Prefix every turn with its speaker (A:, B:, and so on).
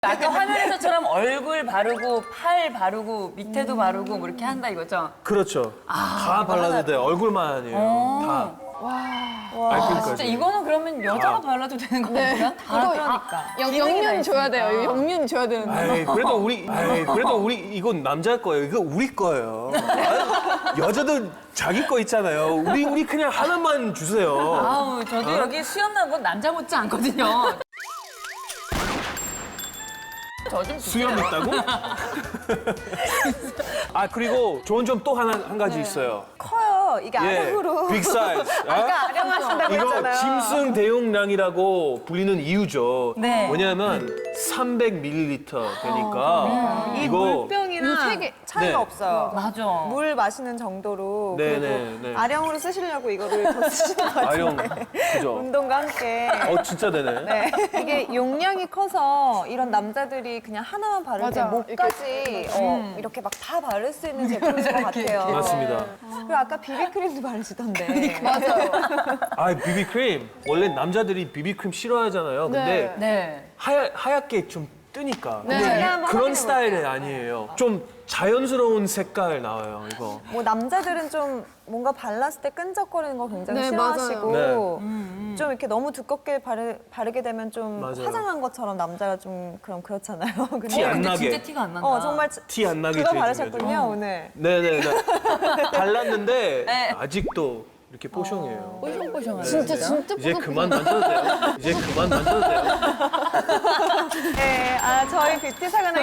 A: 아까 화면에서처럼 얼굴 바르고 팔 바르고 밑에도 바르고 뭐 이렇게 한다 이거죠?
B: 그렇죠. 다 발라도 돼요. 얼굴만 아니에요. 다.
A: 와,
B: 그러니까
A: 진짜 이거는 그러면 여자가 발라도 되는 거 아니야? 다 그러니까.
C: 영윤 줘야 돼요. 영윤 줘야 되는데.
B: 아이, 그래도 우리 이건 남자 거예요. 이거 우리 거예요. 여자도 자기 거 있잖아요. 우리 그냥 하나만 주세요.
A: 아우, 저도 여기 수염 난 건 남자 못지 않거든요. 저 좀
B: 수염 있다고? 아 그리고 좋은 점 또 한 가지 있어요.
D: 커요. 이게 아령으로.
B: 빅 사이즈.
D: 아까 아령하신다고
B: 이거
D: 했잖아요.
B: 짐승 대용량이라고 불리는 이유죠.
A: 네.
B: 왜냐하면 300ml 되니까
D: 이
B: 이거
D: 물병이랑
C: 되게
D: 차이가
B: 네.
D: 없어요.
A: 맞아.
D: 물 마시는 정도로.
B: 네,
D: 그리고
B: 네, 네.
D: 아령으로 쓰시려고 이거를 더 쓰시는 것 같아요.
B: 아령 그죠?
D: 운동과 함께.
B: 진짜 되네.
D: 네. 이게 용량이 커서 이런 남자들이 그냥 하나만 바를 때
C: 맞아.
D: 목까지 이렇게 막 다 바를 수 있는 제품인 것 같아요.
B: 맞습니다.
D: 그리고 아까 비비크림도 바르시던데.
C: 맞아요.
B: 아 비비크림 원래 남자들이 비비크림 싫어하잖아요. 근데
A: 네.
B: 하얗게 좀 뜨니까.
C: 네.
B: 근데
D: 제가 한번
B: 그런
D: 확인해
B: 스타일이
D: 볼게요.
B: 아니에요. 좀 자연스러운 색깔 나와요 이거.
D: 뭐 남자들은 좀 뭔가 발랐을 때 끈적거리는 거 굉장히
C: 네,
D: 싫어하시고
B: 맞아요.
D: 좀 이렇게 너무 두껍게 바르게 되면 좀
B: 맞아요.
D: 화장한 것처럼 남자가 좀 그렇잖아요. 근데
B: 티 안
A: 근데
B: 나게.
A: 진짜 티가 안 난다.
D: 정말
B: 티 안 나게
D: 그거
B: 제일
D: 바르셨군요
B: 중요하죠.
D: 오늘.
B: 네네네. 발랐는데
A: 네.
B: 아직도 이렇게 뽀송해요.
A: 뽀송뽀송하네.
C: 진짜
B: 이제 그만 만져도 돼요. 이제 그만 만져도 돼요.
D: 네, 저희 뷰티 사관의